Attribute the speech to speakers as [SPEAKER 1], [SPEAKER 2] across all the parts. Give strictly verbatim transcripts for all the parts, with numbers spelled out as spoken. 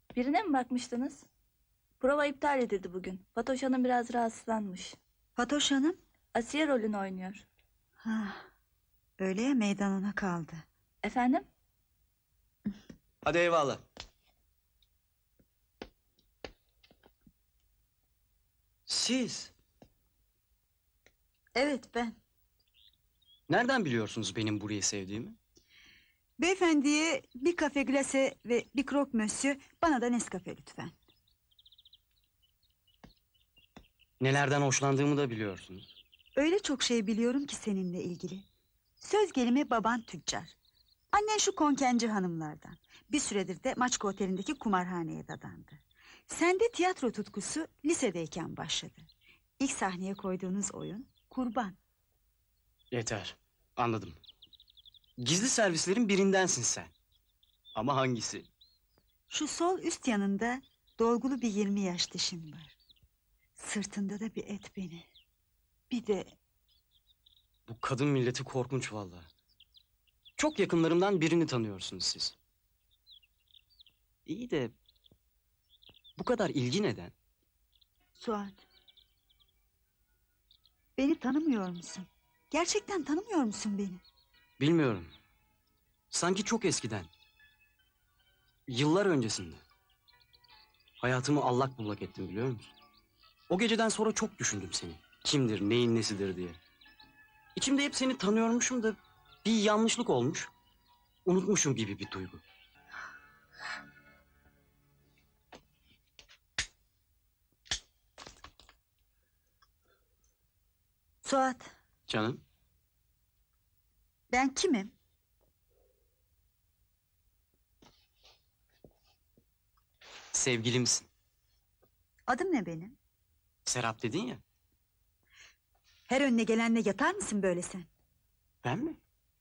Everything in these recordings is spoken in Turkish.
[SPEAKER 1] Birine mi bakmıştınız? Prova iptal edildi bugün. Fatoş Hanım biraz rahatsızlanmış.
[SPEAKER 2] Fatoş Hanım?
[SPEAKER 1] Asiye rolünü oynuyor.
[SPEAKER 2] Ha, öyle ya, meydan ona kaldı.
[SPEAKER 1] Efendim?
[SPEAKER 3] Hadi eyvallah. Siz
[SPEAKER 2] Evet, ben.
[SPEAKER 3] nereden biliyorsunuz benim burayı sevdiğimi?
[SPEAKER 2] Beyefendiye bir kafe glase ve bir krok monsieur, bana da Nescafe lütfen.
[SPEAKER 3] Nelerden hoşlandığımı da biliyorsunuz.
[SPEAKER 2] Öyle çok şey biliyorum ki seninle ilgili. Söz gelimi baban tüccar. Annen şu konkenci hanımlardan. Bir süredir de Maçka Oteli'ndeki kumarhaneye dadandı. Sende tiyatro tutkusu lisedeyken başladı. İlk sahneye koyduğunuz oyun Kurban.
[SPEAKER 3] Yeter, anladım. Gizli servislerin birindensin sen. Ama hangisi?
[SPEAKER 2] Şu sol üst yanında dolgulu bir yirmi yaş dişim var. Sırtında da bir et beni. Bir de
[SPEAKER 3] Bu kadın milleti korkunç vallahi. Çok yakınlarımdan birini tanıyorsunuz siz. İyi de bu kadar ilgi neden?
[SPEAKER 2] Suat. Beni tanımıyor musun? Gerçekten tanımıyor musun beni?
[SPEAKER 3] Bilmiyorum. Sanki çok eskiden. Yıllar öncesinde. Hayatımı allak bullak ettim biliyor musun? O geceden sonra çok düşündüm seni. Kimdir, neyin nesidir diye. İçimde hep seni tanıyormuşum da bir yanlışlık olmuş. Unutmuşum gibi bir duygu.
[SPEAKER 2] Suat,
[SPEAKER 3] Canım,
[SPEAKER 2] ben kimim?
[SPEAKER 3] sevgilimsin.
[SPEAKER 2] Adım ne benim?
[SPEAKER 3] Serap dedin ya.
[SPEAKER 2] Her önüne gelenle yatar mısın böyle sen?
[SPEAKER 3] Ben mi?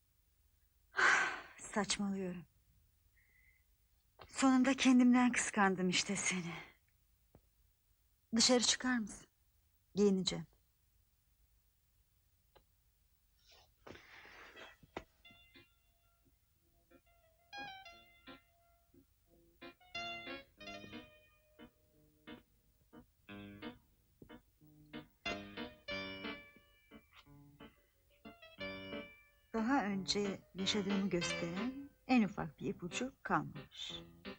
[SPEAKER 2] Saçmalıyorum. Sonunda kendimden kıskandım işte seni. Dışarı çıkar mısın? Giyineceğim. Daha önce yaşadığımı gösteren en ufak bir ipucu kalmamış.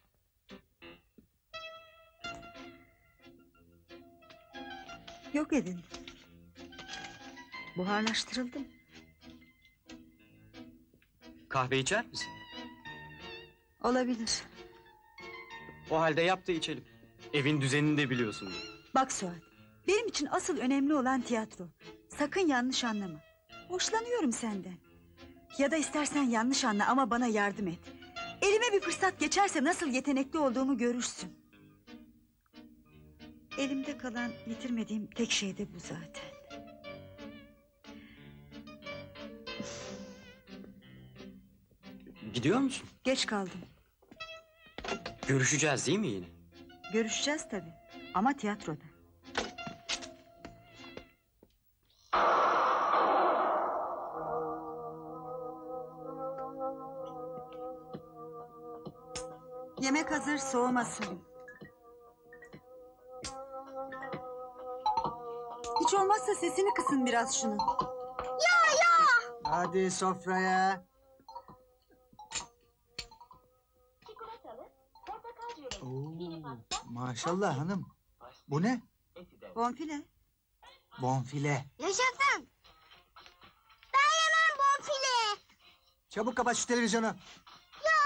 [SPEAKER 2] Yok edin. Buharlaştırıldım.
[SPEAKER 3] Kahve içer misin?
[SPEAKER 2] Olabilir.
[SPEAKER 3] O halde yap da içelim. Evin düzenini de biliyorsun.
[SPEAKER 2] Bak Suat, benim için asıl önemli olan tiyatro. Sakın yanlış anlama. Hoşlanıyorum senden. Ya da istersen yanlış anla ama bana yardım et. Elime bir fırsat geçerse nasıl yetenekli olduğumu görürsün. Elimde kalan yitirmediğim tek şey de bu zaten.
[SPEAKER 3] Gidiyor musun?
[SPEAKER 2] Geç kaldım.
[SPEAKER 3] Görüşeceğiz değil mi yine?
[SPEAKER 2] Görüşeceğiz tabii. Ama tiyatroda. Yemek hazır, soğumasın. Hiç olmazsa sesini kısın biraz şunu.
[SPEAKER 4] Hadi sofraya. Oo, maşallah hanım. Bu ne?
[SPEAKER 2] Bonfile.
[SPEAKER 4] Bonfile.
[SPEAKER 5] Yaşasın. Ben yemem bonfile.
[SPEAKER 4] Çabuk kapat şu televizyonu.
[SPEAKER 5] Ya.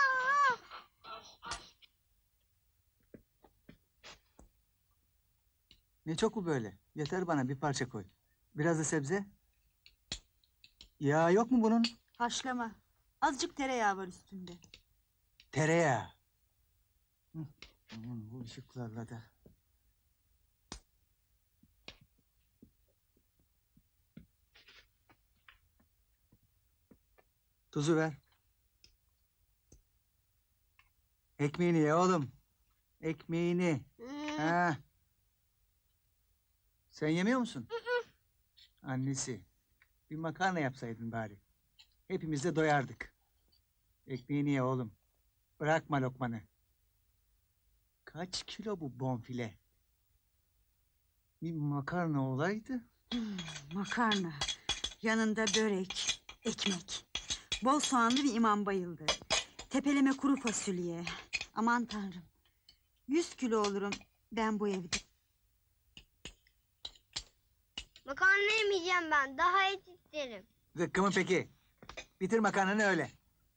[SPEAKER 4] Ne çok bu böyle? Yeter bana, bir parça koy. Biraz da sebze. Yağ yok mu bunun?
[SPEAKER 2] Haşlama. Azıcık tereyağı var üstünde.
[SPEAKER 4] Tereyağı. Hı, aman bu ışıklarla da. Tuzu ver. Ekmeğini ye oğlum. Ekmeğini. Ha. Sen yemiyor musun? Annesi. Bir makarna yapsaydın bari. Hepimiz de doyardık. Ekmeğini ye oğlum. Bırakma lokmanı. Kaç kilo bu bonfile? Bir makarna olaydı.
[SPEAKER 2] Hmm, makarna. Yanında börek, ekmek. Bol soğanlı bir imam bayıldı. Tepeleme kuru fasulye. Aman tanrım. Yüz kilo olurum ben bu evde.
[SPEAKER 5] Makarna yemeyeceğim ben. Daha et isterim.
[SPEAKER 4] Zıkkımı peki. Bitir makarnanı öyle.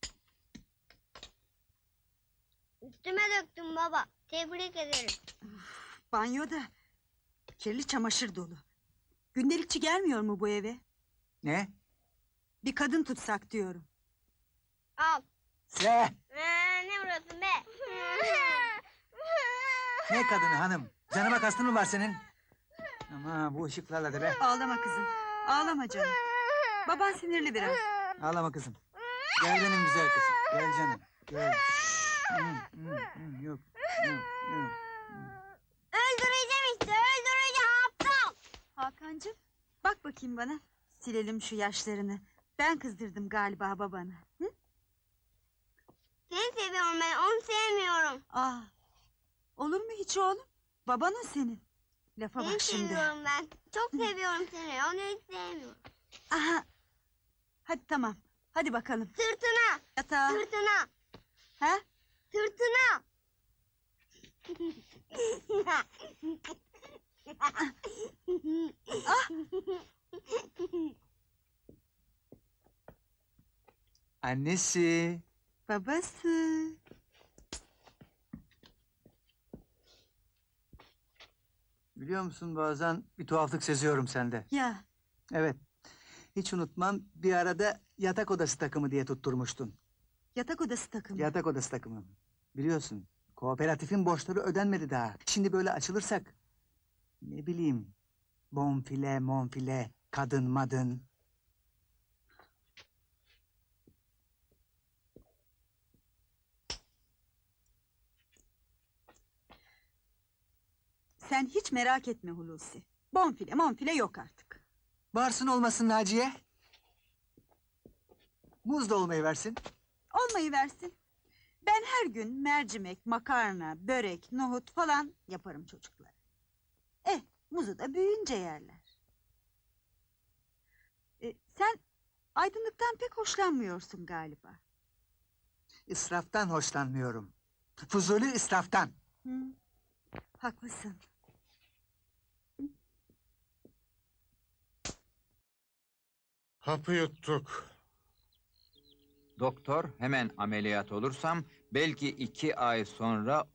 [SPEAKER 5] Üstüme döktüm baba. Tebrik ederim.
[SPEAKER 2] Banyoda kirli çamaşır dolu. Gündelikçi gelmiyor mu bu eve?
[SPEAKER 4] Ne?
[SPEAKER 2] Bir kadın tutsak diyorum.
[SPEAKER 5] Al.
[SPEAKER 4] Se!
[SPEAKER 5] Ee, ne burası be?
[SPEAKER 4] Ne kadını hanım? Canıma kastın mı var senin? Ama bu ışıklarla da be.
[SPEAKER 2] Ağlama kızım. Ağlama canım. Baban sinirli biraz.
[SPEAKER 4] Ağlama kızım. Gel benim güzel kızım. Gel canım. Gel. Hı, hı, hı, yok. Yok. Yok.
[SPEAKER 5] Öldüreceğim işte. Öldüreceğim aptal.
[SPEAKER 2] Hakan'cığım bak bakayım bana. Silelim şu yaşlarını. Ben kızdırdım galiba babanı. Hı?
[SPEAKER 5] Seni seviyorum ben. Onu sevmiyorum.
[SPEAKER 2] Aa, olur mu hiç oğlum? Baban o senin. Lafa
[SPEAKER 5] Seni
[SPEAKER 2] bak şimdi.
[SPEAKER 5] seviyorum ben. Çok seviyorum seni. Onu hiç sevmiyorum.
[SPEAKER 2] Aha. Hadi tamam. Hadi bakalım.
[SPEAKER 5] Sırtına.
[SPEAKER 2] Yatağa.
[SPEAKER 5] Sırtına.
[SPEAKER 2] Ha?
[SPEAKER 5] Sırtına.
[SPEAKER 4] Annesi.
[SPEAKER 2] Babası.
[SPEAKER 4] Biliyor musun bazen bir tuhaflık seziyorum sende.
[SPEAKER 2] Ya
[SPEAKER 4] Evet. Hiç unutmam bir arada yatak odası takımı diye tutturmuştun.
[SPEAKER 2] yatak odası takımı.
[SPEAKER 4] Yatak odası takımı. Biliyorsun kooperatifin borçları ödenmedi daha. Şimdi böyle açılırsak ne bileyim bonfile monfile kadın madın.
[SPEAKER 2] Sen hiç merak etme Hulusi. Bonfile monfile yok artık.
[SPEAKER 4] Varsın olmasın Naciye. Muz da olmayı versin.
[SPEAKER 2] Olmayı versin. Ben her gün mercimek, makarna, börek, nohut falan yaparım çocuklara. Eh, muzu da büyüyünce yerler. E, sen aydınlıktan pek hoşlanmıyorsun galiba.
[SPEAKER 4] İsraftan hoşlanmıyorum. Fuzuli israftan.
[SPEAKER 2] Hı, haklısın.
[SPEAKER 6] Hapı yuttuk.
[SPEAKER 7] Doktor hemen ameliyat olursam belki iki ay sonra